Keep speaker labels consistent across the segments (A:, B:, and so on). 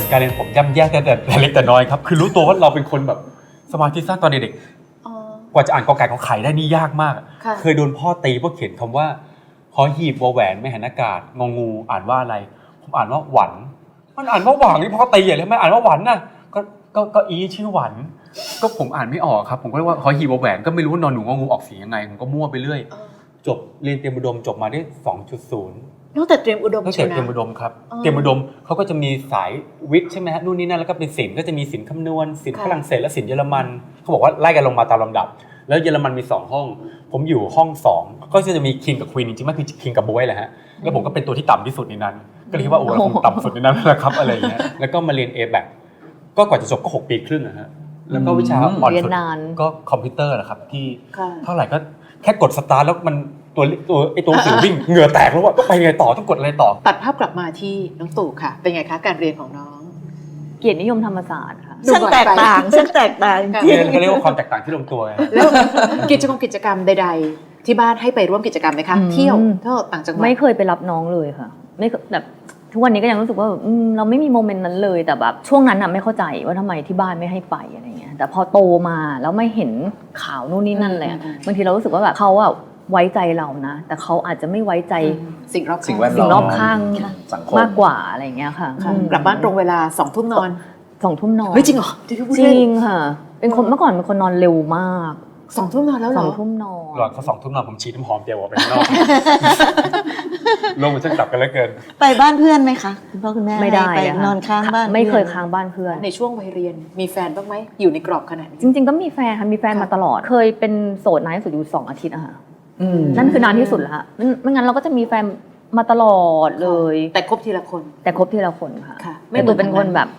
A: การเรียนผมย่ำแย่แต่เล็กแต่น้อยครับคือรู้ตัวว่าเราเป็นคนแบบสมาธิสั้นตอนเด็กกว่าจะอ่านกอไก่ขอไข่ได้นี่ยากมากเคยโดนพ่อตีเพราะเขียนคำว่าหอหีบวอแหวนไม่หันอากาศงองูอ่านว่าอะไรผมอ่านว่าหวันมันอ่านว่าหวังนี่พ่อตีใหญ่เลยไม่อ่านว่าหวันน่ะก็อีชื่อหวันก็ผมอ่านไม่ออกครับผมก็เรียกว่าหอหีบวอแหวนก็ไม่รู้ว่านอนหนูงองูออกเสียงยังไงผมก็มั่วไปเรื่อยจบเรียนเตรียมอุดมจบมาได้ 2.0
B: ตั้งแต่เตรียมอุดม
A: ตั้งแต่เตรียมอุดมครับเตรียมอุดมเขาก็จะมีสายวิทย์ใช่ไหมฮะนู่นนี่นั่นแล้วก็เป็นศิลป์ก็จะมีศิลป์คำนวณศิลป์ฝรั่งเศสและศิลป์เยอรมันเขาบอกว่าไล่กันลงมาตามลำดับแล้วเยอรมันมี2ห้องผมอยู่ห้อง2ก็จะมีคิงกับควีนจริงๆมันคือคิงกับบวยแหละฮะแล้วผมก็เป็นตัวที่ต่ำที่สุดในนั้นก็เลยคิดว่าโอ้เราคงต่ำสุดในนั้นแหละครับอะไรอย่างเงี้ยแล้วก็มาเรียน A-BAC ก็กว่าจะจบก็6 ปีครึ่งนะฮะแล้วก็วิชาอ่อนสุดก็คอมพิวเตอร์แหละครับที่เท่าไหร่ก็แค่กดสตาร์ทแล้วมันตัวหนังสือวิ่งเหงื่อแตกแล้วว่าต้องไปไงต่อต้องกดอะไรต่อ
B: ตัดภาพกลับมาที่น้องตู่ค่ะเป็นไงคะการเรียนของน้อง
C: เกียรตินิยมธรรมศาสตร์ค่ะ
D: ซึ่งแตกต่าง
A: เรียนก็เรียกว่าความแตกต่างที่ลงตัว
B: แล้วกิจกรรมใดๆที่บ้านให้ไปร่วมกิจกรรมไหมคะเที่ยวต่างจังหวัด
C: ไม่เคยไปรับน้องเลยค่ะไม่แบบทุกวันนี้ก็ยังรู้สึกว่าเราไม่มีโมเมนต์นั้นเลยแต่แบบช่วงนั้นไม่เข้าใจว่าทำไมที่บ้านไม่ให้ไปอะไรเงี้ยแต่พอโตมาแล้วไม่เห็นข่าวนู่นนี่นั่นเลยบางทีเรารู้สึกว่าแบบเขาไว้ใจเรานะแต่เขาอาจจะไม่ไว้ใจ
B: สิ่งรอบ
C: ข้างมากกว่าอะไรเงี้ยค่ะ
B: กลับบ้านตรงเวลา20:00 นนอน
C: 20:00 นนอน
B: เฮ้ยจริงเหรอ
C: จริงค่ะเป็นคนเมื่อก่อนเป็นคนนอนเร็วมาก
B: 20:00 นนอนแล้วเหรอ
C: 20:00 นนอน
A: หลังเขา20:00 นนอนผมฉีดน้ำหอมเดียวออกไปข้างนอกลงมันช่างกลับกันแล้วเกิน
D: ไปบ้านเพื่อนไหมคะคุณพ่อคุณแม่
C: ไม่ได้
D: ไปนอนค้างบ้าน
C: ไม่เคยค้างบ้านเพื่อน
B: ในช่วงวัยเรียนมีแฟนบ้างไหมอยู่ในกรอบขนาดนี้
C: จริงๆก็มีแฟนค่ะมีแฟนมาตลอดเคยเป็นโสดนานที่สุดอยู่2 อาทิตย์อะค่ะนั่นคือนานที่สุดแล้วไม่งั้นเราก็จะมีแฟนมาตลอดเลย
B: แต่คบทีละคน
C: ค่ะไม่ตู่เป็นคนแบบ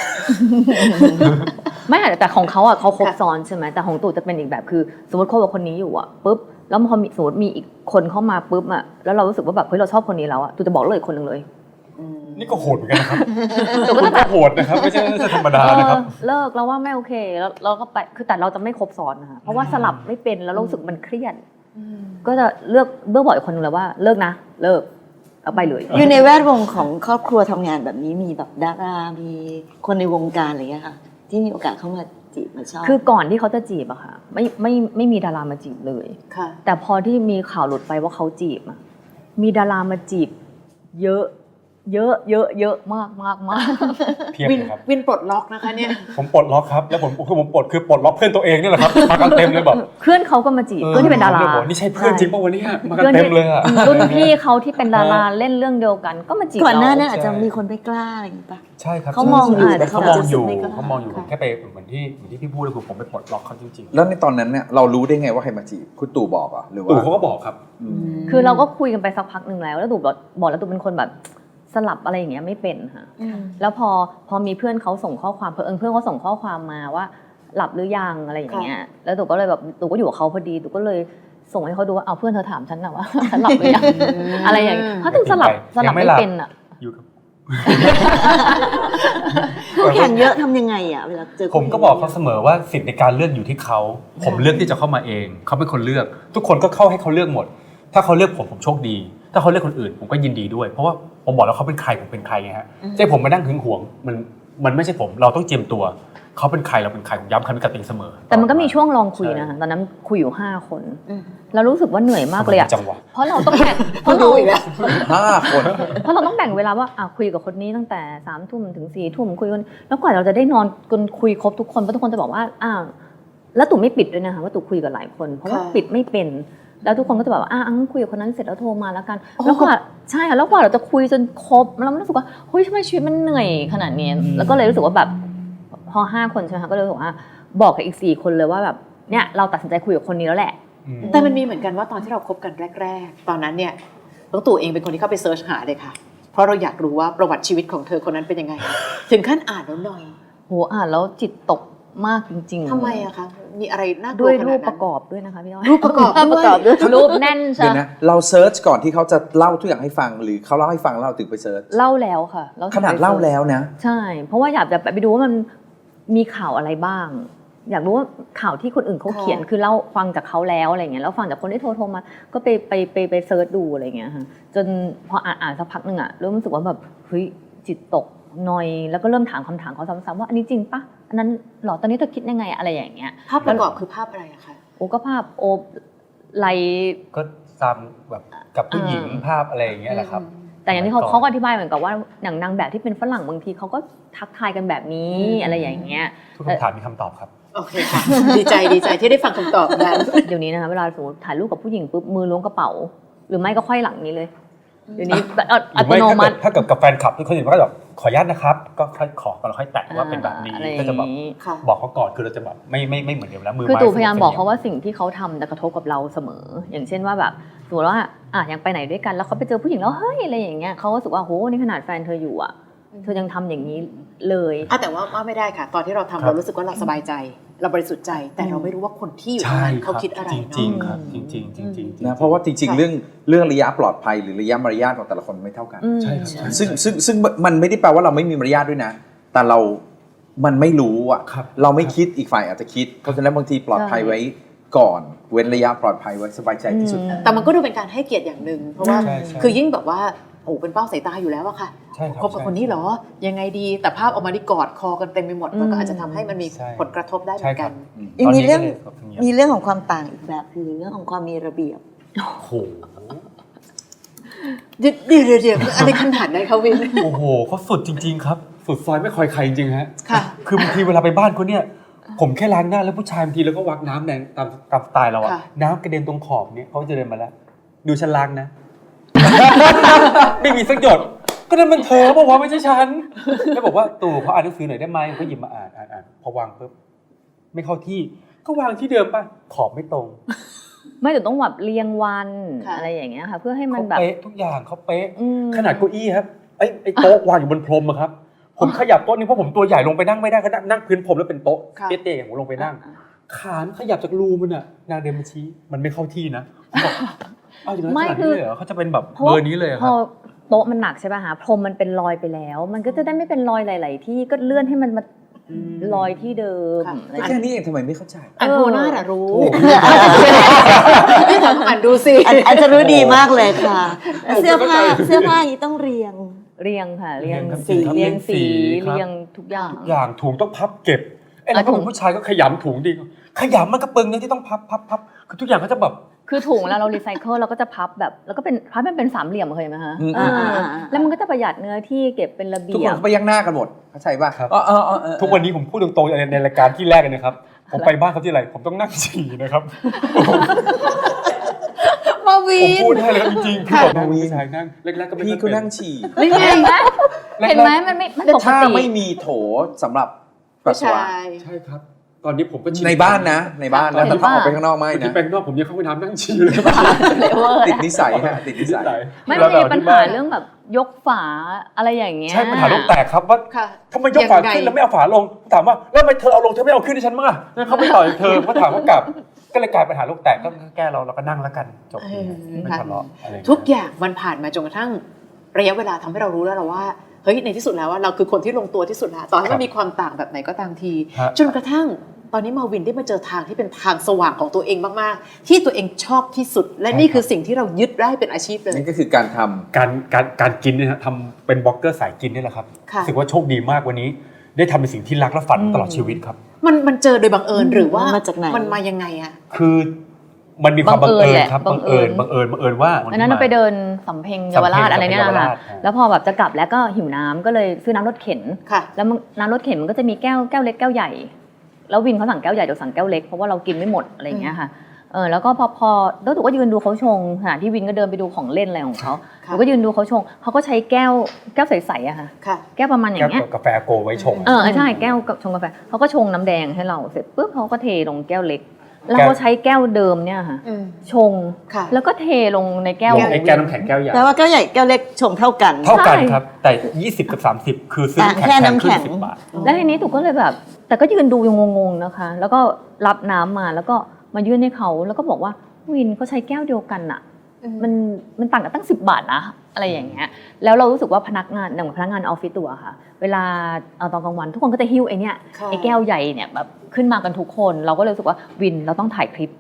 C: ไม่แต่ของเขาเขาคบซ้อนใช่ไหมแต่ของตู่จะเป็นอีกแบบคือสมมติคบกับคนนี้อยู่ปุ๊บแล้วพอสมมติมีอีกคนเข้ามาปุ๊บแล้วเรารู้สึกว่าแบบเฮ้ยเราชอบคนนี้แล้วตู่จะบอกเลยคนหนึ่งเลย
A: นี่ก็โหดเหมือนกันนะครับตู่ก็โหดนะครับไม่ใช่ธรรมดานะครับ
C: เลิกแล้วว่าไม่โอเคแล้วเราก็ไปคือแต่เราจะไม่คบซ้อนนะคะเพราะว่าสลับไม่เป็นแล้วรู้สึกมันเครียดก็จะเลือกบอกอีกคนนึงเลยว่าเลิกนะเลิกเอาไปเลย
D: อยู่ในแวดวงของครอบครัวทำงานแบบนี้มีแบบดารามีคนในวงการอะไรอย่างเงี้ยค่ะที่มีโอกาสเข้ามาจีบมาชอบ
C: คือก่อนที่เขาจะจีบอะค่ะไม่มีดารามาจีบเลยแต่พอที่มีข่าวหลุดไปว่าเขาจีบมีดารามาจีบเยอะมาก
A: เพียบเลยครับ
B: วินปลดล็อกนะคะเนี่ย
A: ผมปลดล็อกครับแล้วผมปลดล็อกเพื่อนตัวเองนี่แหละครับมากันเต็มเลยแบบ
C: เพื่อนเขาก็มาจีบเพื่อนที่เป็นดารา
A: นี่ใช่เพื่อนจริงป่ะวันนี้มากันเต็มเลยอะ
C: รุ่นพี่เขาที่เป็นดาราเล่นเรื่องเดียวกันก็มาจีบ
D: ก่อนหน้านั้นอาจจะมีคนไม่กล้าอะไรอย่างนี้ป่ะ
A: ใช่ครับ
D: เขามองอยู่แต่
A: เขามองอยู่แค่ไปเหมือนที่พี่พูดเลยคือผมไปปลดล็อกเขาจริงๆ
E: แล้วในตอนนั้นเนี่ยเรารู้ได้ไงว่าใครมาจีบคุณตู่บอกหรือว่า
A: ตู่เขาก็บอกครับ
C: คือเราก็คุยกันไปสักพักนึงแล้วตู่บอกแล้วตู่เป็นคนแบบสลับอะไรอย่างเงี้ยไม่เป็นค่ะแล้วพอมีเพื่อนเขาส่งข้อความเพื่อนเขาส่งข้อความมาว่าหลับหรือยังอะไรอย่างเงี้ยแล้วตู่ก็เลยแบบตู่ก็อยู่กับเขาพอดีตู่ก็เลยส่งให้เขาดูว่าเอาเพื่อนเธอถามฉันนะว่าฉันหลับหรือยังอะไรอย่างเงี้ยเพราะตู่สลับไม่เป็นอ่ะ
A: อยู่กับ
D: คู่แข่งเยอะทำยังไงเวลาเจอ
A: ผมก็บอกเขาเสมอว่าสิทธิ์ในการเลือกอยู่ที่เขาผมเลือกที่จะเข้ามาเองเขาเป็นคนเลือกทุกคนก็เข้าให้เขาเลือกหมดถ้าเขาเลือกผมโชคดีถ้าเขาเลือกคนอื่นผมก็ยินดีด้วยเพราะว่าผมบอกแล้วเขาเป็นใครผมเป็นใครไงฮะใจผมมานั่งหึงหวงมันไม่ใช่ผมเราต้องเจียมตัวเขาเป็นใครเราเป็นใครผมย้ำคำนี้กับตัวเองเสมอ
C: แต่มันก็มีช่วงลองคุยนะคะตอนนั้นคุยอยู่5 คนแล้วรู้สึกว่าเหนื่อยมากเลยเพราะเราต้องแบ่งเพราะเรา
E: 5 คน
C: เพราะเราต้องแบ่งเวลาว่าคุยกับคนนี้ตั้งแต่3 ทุ่มถึง4 ทุ่มคุยกันแล้วกว่าเราจะได้นอนกันคุยครบทุกคนเพราะทุกคนจะบอกว่าแล้วตู่ไม่ปิดด้วยนะคะว่าตู่คุยกับหลายคนเพราะว่าปิดไม่เป็นแล้วทุกคนก็จะแบบว่าคุยกับคนนั้นเสร็จแล้วโทรมาแล้วกันแล้วกว่าใช่ค่ะแล้วกว่าเราจะคุยจนครบแล้วมันรู้สึกว่าเฮ้ยทำไมชีวิตมันเหนื่อยขนาดนี้แล้วก็เลยรู้สึกว่าแบบพอ5 คนใช่ไหมคะก็เลยบอกว่าบอกกับอีก4 คนเลยว่าแบบเนี่ยเราตัดสินใจคุยกับคนนี้แล้วแหละ
B: แต่มันมีเหมือนกันว่าตอนที่เราคบกันแรกๆตอนนั้นเนี่ยน้องตู่เองเป็นคนที่เข้าไปเซิร์ชหาเลยค่ะเพราะเราอยากรู้ว่าประวัติชีวิตของเธอคนนั้นเป็นยังไงถึงขั้นอ่านแล้วหน่อย
C: อ่านแล้วจิตตกมากจริงๆ
B: ทำไมอะคะมีอะไรน่ากลัว
C: ด้วยรูปประกอบด้วยนะคะพี่อ้อย
B: รูปประกอบ
C: ด้วยรูปแน่นใช่
E: ไหมเราเซิร์ชก่อนที่เขาจะเล่าทุกอย่างให้ฟังหรือเขาเล่าให้ฟังเราถึงไปเซิร์ช
C: เล่าแล้วค่ะ
E: ขนาดเล่าแล้วนะ
C: ใช่เพราะว่าอยากจะไปดูว่ามันมีข่าวอะไรบ้างอยากรู้ว่าข่าวที่คนอื่นเขาเขียนคือเล่าฟังจากเขาแล้วอะไรเงี้ยแล้วฟังจากคนที่โทรมาก็ไปเซิร์ชดูอะไรเงี้ยค่ะจนพออ่านสักพักนึงเริ่มรู้สึกว่าแบบเฮ้ยจิตตกนอยแล้วก็เริ่มถามคำถามเขาซ้ำๆว่าอันนี้จริงปะอันนั้นหรอตอนนี้เธอคิดยังไงอะไรอย่างเงี้ย
B: ภาพประกอบคือภาพอะไรอะคะ
C: โอ้ก็ภาพโอบไหล
A: ก็ตามแบบกับผู้หญิงภาพอะไรอย่างเงี้ยแหละครับ
C: แต่อย่างที่เขาก็อธิบายเหมือนกับว่าอย่างนางแบบที่เป็นฝรั่งบางทีเขาก็ทักทายกันแบบนี้อะไรอย่างเงี้ย
A: ทุกคำถามมีคำตอบครับ
B: โอเคค่ะ ดีใจที่ได้ฟังคำตอบนั้น
C: เดี๋ยวนี้นะคะเวลาสมมติถ่ายรูปกับผู้หญิงปุ๊บมือล้วงกระเป๋า หรือไม่ก็ไขว้หลังนี้เลยเดี๋ยวนี้แบบ
A: ห
C: อั
A: รือ
C: ต
A: ไม่
C: โนมัติ
A: ถ้าเกิดกับแฟนคลับทุกคนเห็นว่าแบบขออนุญาตนะครับ ก็ค่อยขอกันแล้วค่อยแตะว่าเป็นแบบนี้
C: อะไรอย่า
A: ก็จะแบบ
C: งนี้
B: ค่ะ
A: บอกเขาก่อนคือเราจะแบบไม่เหมือนเดิมแล้วมือ
C: คือ
A: ไม้
C: ตู่พยายามบอกเขา
A: สนิท
C: ว่าสิ่งที่เขาทำจะกระทบกับเราเสมอ อย่างเช่นว่าแบบสมมติว่ายังไปไหนด้วยกันแล้วเขาไปเจอผู้หญิงแล้วเฮ้ยอะไรอย่างเงี้ยเขาก็รู้สึกว่าโหนี่ขนาดแฟนเธออยู่อ่ะเธอยังทำอย่างนี้เลย
B: แต่ว่าไม่ได้ค่ะ ตอนที่เราทำเรารู้สึกว่าเราสบายใจ เราบริสุทธิ์ใจ แต่เราไม่รู้ว่าคนที่อยู่ตรง
A: ใช่
B: นั้น
A: ค
B: เขา
A: รับ
B: คิดอะไร
A: จ
B: เนาะ
A: ริงๆครับจริงๆจริงๆ
E: นะเพราะว่าจริงๆเรื่องระยะปลอดภัยหรือระยะมารยาทของแต่ละคนไม่เท่ากัน
C: อืม
A: ใช่ครับ
E: ซึ่งมันไม่ได้แปลว่าเราไม่มีมารยาทด้วยนะ แต่มันไม่รู้อ่ะ
A: ครับ
E: เราไม่คิดอีกฝ่ายอาจจะคิด เพราะฉะนั้นบางทีปลอดภัยไว้ก่อน เว้นระยะปลอดภัยไว้สบายใจที่สุด
B: แต่มันก็ดูเป็นการให้เกียรติอย่างหนึ่งเพราะว่า
A: ใช่ใช่
B: คือยิ่งแบบว่าโอ้เป็นเป้าสายตาอยู่แล้วอะค่ะ
A: ใช่ครับ
B: คบกับคนนี้เหรอยังไงดีแต่ภาพออกมาที่กอดคอกันเต็มไปหมดมันก็อาจจะทำให้มันมี
A: ใช่
B: ผลกระทบได้เหมือนกัน
D: ยังมีเรื่อง
A: ตนนี้ก็ลย
D: มีเรื่องของความต่างอีกแบบคือเรื่องของความมีระเบียบ
A: โอ้โห
B: เดี๋ยวอะไรขนาดนั้นเขาวิน
A: โอ้โหเขาสุดจริง ๆ ครับ สุดซอยไม่คอยใครจริงๆฮะ
B: ค่ะ
A: คือบางทีเวลาไปบ้านเขาเนี่ย ผมแค่ล้างหน้าแล้วผู้ชายบางทีแล้วก็วักน้ำแดงตามสไตล์เราอะ
B: ค่ะ
A: น้ำกระเด็นตรงขอบเนี่ยเขาจะเดินมาแล้ว ดูฉันล้างนะ ไม่มีสักหยด ก็นั่นมันเธอบอกว่าไม่ใช่ฉันแล้วบอกว่าตู่เขาอ่านหนังสือหน่อยได้ไหมก็หยิบมาอ่านพอวางปุ๊บไม่เข้าที่ก็วางที่เดิมป่ะขอบไม่ตรง
C: ไม่แต่ต้องแบบเรียงวัน
B: ค่ะ
C: อะไรอย่างเงี้ยค่ะเพื่อให้มัน
A: เขา
C: แบบ
A: เป๊ะทุกอย่างเขาเป๊ะ
C: อืม
A: ขนาดเก้าอี้ครับไอ้โต๊ะวางอยู่บนพรมอะครับ ผมขยับโต๊ะนี้เพราะผมตัวใหญ่ลงไปนั่งไม่ได้ก็นั่งพื้นพรมแล้วเป็นโต๊ะ
B: ค่ะ
A: เตี้ยๆอย่างผมลงไปนั่ง ขานขยับจากรูมันอะนางเดินมาชี้มันไม่เข้าที่นะผมบอกอ้าวอย่างนั้นขนาดนี้เลยเหรอเขาจะเป็นแบบเบอร์นี้เลยอะค
C: พ
A: รั
C: อบ โต๊ะมันหนักใช่ป่ะคะพรมมันเป็นรอยไปแล้ว มันก็จะได้ไม่เป็นรอยหลาย ๆ ที่ก็เลื่อนให้มันมา รอยที่เดิม
B: ค่ะ
C: อะไร
E: ก็แค่นี้เองทำไมไม่เข้าใจ
B: อันโทน่าอะรู้
E: โอ้
B: นี่ถามอ่านดูสิ
D: อาจจะรู้ดีมากเลยค่ะ เสื้อผ้าอย่างนี้ต้องเรียง
C: เรียงค่ะเรียง
A: ครับ
C: สี
A: ครับ
C: เรียงสี
A: ครับ
C: เรียงทุกอย่าง
A: ทุกอย่างถุงต้องพับเก็บไอ้เราก็เป็นผู้ชายก็ขยำถุงดีขยำมันก็เปิงเนี่ยที่ต้องพับคือทุกอย่างก็จะแบบ
C: คือถุงแล้วเรารีไซเคิลเราก็จะพับแบบแล้วก็เป็นพับมันเป็นสามเหลี่ยมเคยไหมคะ
E: อืม
C: แล้วมันก็จะประหยัดเนื้อที่เก็บเป็นระ
E: ทุก
C: เบี
E: ค
C: ย
E: น
C: บ
E: ก็ไปยักหน้ากันหมดเข้าใจป่ะ
A: ครับ
E: ทุกวันนี้
A: ทุกวันนี้ผมพูดตรงๆในรายการที่แรกเลยนะครับ ผมไปบ้านเขาที่ไรผมต้องนั่งฉี่นะครับ
B: มาวี
A: ผม
B: น
A: พูดได้เลยครับจริงๆพี่บอกนั่งผู้ชายนั่งแรกๆก็ไม่
E: พี่
A: ค่อย
E: ก็
A: เป็น
E: นั่งฉี่
B: นี่ไง
C: เห็นไหมเห็นไหมมันไม่มันปก
E: ถ้า
C: ติ
E: ไม่มีโถสำหรับปัส
B: ผู้
E: สาวะ
B: ชาย
A: ใช่ครับ ตอนนี้ผมก็ฉี่
E: ในบ้านนะในบ้านนะแต่ถ้าออกไปข้างนอกไม่
A: ที่
E: นะ
A: แปลงนอกผมยังเข้าไปน้ำนั่งฉี่เลย
C: เลเวอร์
E: ติดนิสัยฮะติดนิสัย
C: ไม่มันมีปัญหาเรื่องแบบยกฝาอะไรอย่างเงี้ย
A: ใช่ปัญหาโลกแตกครับว่า
B: ค่ะ
A: ทำไมยกฝาขึ้นแล้วไม่เอาฝาลงถามว่าแล้วทำไมเธอเอาลงเธอไม่เอาขึ้นให้ฉันบ้างอ่ะแล้วเขาไม่ต่อยเธอก็ถามว่ากลับก็เลยกลายปัญหาโลกแตกก็แก้เราก็นั่งแล้วกันจบไม่ทะเลาะอะไร
B: ทุกอย่างมันผ่านมาจนกระทั่งระยะเวลาทำให้เรารู้แล้วเราว่าเฮ้ยในที่สุดแล้วว่าเราคือคนที่ลงตัวที่สุดแล้วต่อให้มันมีความต่างแบบไหนก็ตามที จนกระทั่งตอนนี้มาวินได้มาเจอทางที่เป็นทางสว่างของตัวเองมากๆ ที่ตัวเองชอบที่สุด และนี่คือสิ่งที่เรายึดได้เป็นอาชีพเลย
E: นั่นก็คือการทำ
A: การกินเนี่ยนะทำเป็นบล็อกเกอร์สายกินนี่แหละครับ
B: ค่ะ
A: รู้สึกว่าโชคดีมากวันนี้ ได้ทำในสิ่งที่รักและฝันตลอดชีวิตครับ
B: มันเจอโดยบังเอิญหรือว่า
D: มาจากไหน
B: มันมายังไงอะ
A: คือมันมีความบังเอิญครับ
C: บั
A: บั
C: ง
A: ง
C: เอิ
A: เอิ
C: ญ
A: ญว่า
C: อันนั้นเราไปเดินสำเพ็งเยาวราชอะไรเนี่ย
A: สำเพ็ง
C: นะคะ
A: เยาวราช
C: แล้วพอแบบจะกลับแล้วก็หิวน้ำก็เลยซื้อน้ำรถเข็น
B: ค่ะ
C: แล้วน้ำรถเข็นมันก็จะมีแก้วเล็กแก้วใหญ่ แล้ววินเขาสั่งแก้วใหญ่เดี๋ยวสั่งแก้วเล็กเพราะว่าเรากินไม่หมดอะไรอย่างเงี้ยค่ะแล้วก็พอแล้วถูกก็ยืนดูเขาชงขณะที่วินก็เดินไปดูของเล่นอะไรของเขา
B: ค่ะ
C: หนูก็ยืนดูเขาชงเขาก็ใช้แก้วใสๆอะค่ะ
B: ค่ะ
C: แก้วประมาณอย่างเงี้ย
A: แก้วกาแฟโกไว้ชง
C: ใช่แก้วกับชงกาแฟเขาก็ชงน้ำแดงให้เราเสร็จปุ๊บเขาก็เทลงแก้วเล็ก แล้วก็ใช้แก้วเดิมเนี่ยค่ะ
B: อืม
C: ชง
B: ค่ะ
C: แล้วก็เทลงในแก้ว
A: ลงไอ้แก้วน้ำแข็งแก้วใหญ่
D: แปลว่าแก้วใหญ่แก้วเล็กชงเท่ากัน
A: เท่ากัน
C: ใช่
A: ครับ แต่ 20 กับ 30 คือซื้อ
D: แค่น้ำแข็ง
A: ขึ้10 บาท
C: แล้วทีนี้ถูกก็เลยแบบ แต่ก็ยืนดูยังงงๆนะคะ แล้วก็รับน้ำมาแล้วก็มายื่นให้เขาแล้วก็บอกว่าวินเขาใช้แก้วเดียวกันอะมันต่างกันตั้ง10 บาทนะอะไรอย่างเงี้ยแล้วเรารู้สึกว่าพนักงานอย่างพนักงานออฟฟิศตัวค่ะ เวลาตอนกลางวันทุกคนก็จะหิ้วไอ้เนี่ย
B: ค่ะ
C: ไอ้แก้วใหญ่เนี่ยแบบขึ้นมากันทุกคน เราก็เลยรู้สึกว่าวินเราต้องถ่ายคลิป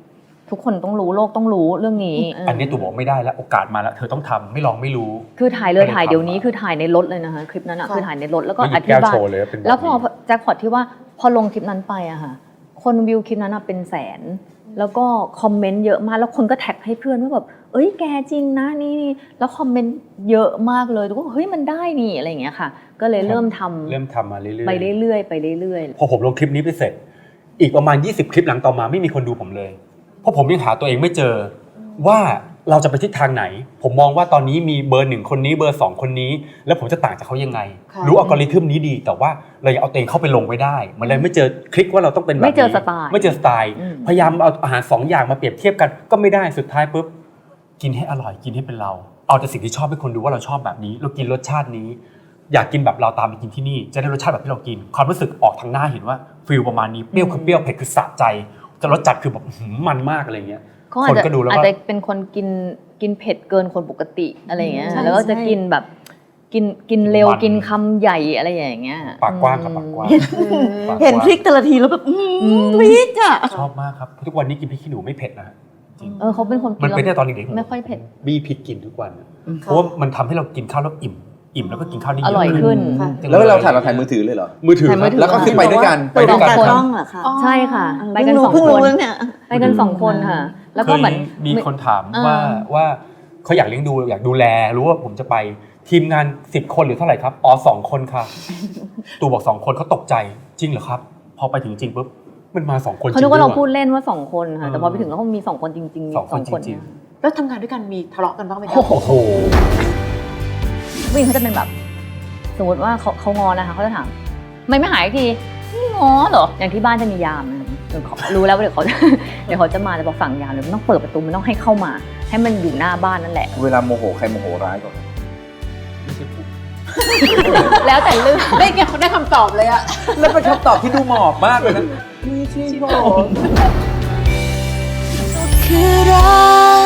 C: ทุกคนต้องรู้โลกต้องรู้เรื่องนี้
A: อันนี้ตู่บอกไม่ได้แล้วโอกาสมาแล้วเธอต้องทำไม่ลองไม่รู้
C: คือถ่ายเลย
A: ก็เลย
C: ถ่ายเดี๋ยวนี้
A: ทำมา
C: คือถ่ายในรถเลยนะคะคลิปนั้นอะ
B: ค่ะ
C: คือถ่ายในรถแล้วก็
A: ไม่หยิ
C: อบ ธิ
A: แก้ว
C: บาย
A: โชว์เลยเป็นแบบ
C: แล้วพอ
A: นี้
C: แจ็คพอตที่ว่าพอลงคลิปนั้นไปอะค่ะคนวิวคลิปนั้นอะเป็นแสน แล้วก็คอมเมนต์เยอะมากแล้วคนก็แท็กให้เพื่อนว่าแบบเอ้ยแกจริงนะนี่แล้วคอมเมนต์เยอะมากเลยแล้วก็เฮ้ยมันได้นี่อะไรอย่างเงี้ยค่ะ ก็เลยเริ่มทำ
A: เริ่มทำมาเรื่อยๆ
C: ไปเรื่อยๆไปเรื่อย
A: พอผมลงคลิปนี้ไปเสร็จ อีกประมาณ 20 คลิปหลังต่อมาไม่มีคนดูผมเลย เพราะผมยังหาตัวเองไม่เจอว่าเราจะไปทิศทางไหน ผมมองว่าตอนนี้มีเบอร์1คนนี้เบอร์2คนนี้ แล้วผมจะต่างจากเขายังไง
B: ค่ะ
A: รู้อัลกอริทึมนี้ดี แต่ว่าเรายังเอาตัวเองเข้าไปลงไว้ได้ มันเลยไม่เจอคลิกว่าเราต้องเป็นแบบนี้
C: ไม่เจอสไตล์
A: ไม่เจอสไตล์
C: อืม
A: พยายามเอาอาหาร2อย่างมาเปรียบเทียบกันก็ไม่ได้สุดท้ายปุ๊บกินให้อร่อยกินให้เป็นเรา เอาแต่สิ่งที่ชอบให้คนดูว่าเราชอบแบบนี้ เรากินรสชาตินี้ อยากกินแบบเราตามไปกินที่นี่จะได้รสชาติแบบที่เรากิน ความรู้สึกออกทางหน้าเห็นว่าฟิลประมาณนี้เปรี้ยวคือเปรี้ยวเผ็ดคือสะใจจะรสจัดคือแบบมันมากอะไรเงี้ย
C: ๆเขาอาจ
A: คน
C: จะ
A: ก็ดูแล้วก็
C: อาจจะเป็นคนกินเผ็ดเกินคนปกติอะไรอย่างเงี้ย
D: ใช่
C: แล้วก็จะ
D: ใช่
C: กินแบบกินเร็ว
A: มัน
C: กินคำใหญ่อะไรอย่างเงี้ย
A: ปากกว้างกับปากกว้างปากกว้าง
D: เห็นพริกแต่ละทีแล้วแบบพริกอ่ะ
A: ชอบมากครับทุกวันนี้กินพริกขี้หนูไม่เผ็ดนะจริง
C: เขาเป็นคนกิ
A: มัน
C: น
A: เป็น
C: แล้
A: แต่
C: ว
A: ตอนเด็กๆ
C: ไม่ค่อยเผ็ด
A: บี้พริกกินทุกวันเพราะว่ามันทำให้เรากินข้าวแล้วอิ่มแล้วก็กินข้าวได้เย
C: อ
A: อะ
C: ร่อยขึ้น
B: ค่ะ
E: แล้วเราถ่ายมือถือเลยเหรอ
A: มือถือ
C: ถ่ายมือถือ
E: แล้วก็คือไปด้วยกัน
D: ไปด้วยกัน
E: ค
D: ก
E: รั
D: ล้
E: บ
D: องเหรอคะ
C: ใช่ค่ะ
D: เออ
C: ไปกันสอง
D: เพิ่ง
C: ค
D: รู้
C: น
D: เนี่ย
C: ไปกันสองคนค่ะ แล้วก็เหมือน
A: มีคนถาม
C: เออ
A: ว่าเขาอยากเลี้ยงดูอยากดูแลรู้ว่าผมจะไปทีมงาน10 คนหรือเท่าไหร่ครับอ๋อ2 คนค่ะ ตู่บอก2 คนเขาตกใจจริงเหรอครับ พอไปถึงจริงปุ๊บมันมา2 คนจริง
C: เขานึกว่าเรา
A: ด้วย
C: พูดเล่นว่าสองคนค่ะ แต่พอไป
A: เออ
C: ถึงแล้วเขามีสองคนจริงๆ
A: สองคนจริง
B: แล้วทำงานด้วยกันมีทะเลาะกันบ้างไหมคะ
A: โอ้โห
C: วิ่งเขาจะเป็นแบบ สมมติว่าเขางอนะคะเขาจะถามไม่หายทีไม่งอเหรออย่างที่บ้านจะมียามนะคะรู้แล้วว่าเดี๋ยวเขา เดี๋ยวเขาจะมาจะบอกสั่งยามเลยมันต้องเปิดประตูมันต้องให้เข้ามา ให้มันอยู่หน้าบ้านนั่นแหละ
E: เวลาโมโหใครโมโหร้ายกว่ากัน
C: แล้วแต่เรื่อง
B: ได้คำตอบเลยอะ
E: แล้วเป็นคำตอบที่ดูหมอบมากเลยนะไม่ใช่ผม
F: คือรัก